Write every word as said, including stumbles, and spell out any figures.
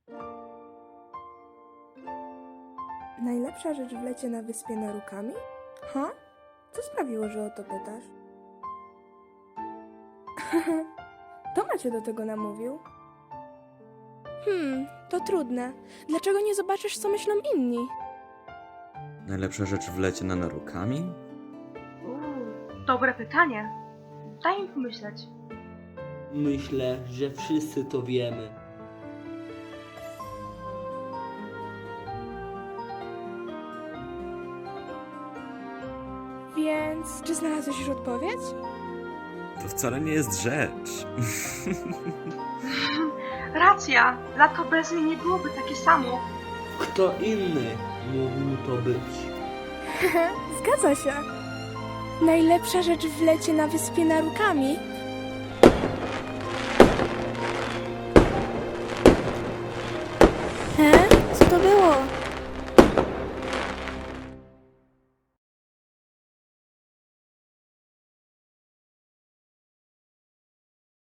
Najlepsza rzecz w lecie na wyspie Narukami? Ha? Co sprawiło, że o to pytasz? To Macie do tego namówił? Hmm, to trudne. Dlaczego nie zobaczysz, co myślą inni? Najlepsza rzecz w lecie na Narukami? Uuu, dobre pytanie. Daj mi pomyśleć. Myślę, że wszyscy to wiemy. Więc, czy znalazłeś już odpowiedź? To wcale nie jest rzecz. Racja, lato bez niej nie byłoby takie samo. Kto inny mógł to być? Zgadza się. Najlepsza rzecz w lecie na wyspie Narukami? He? Co to było?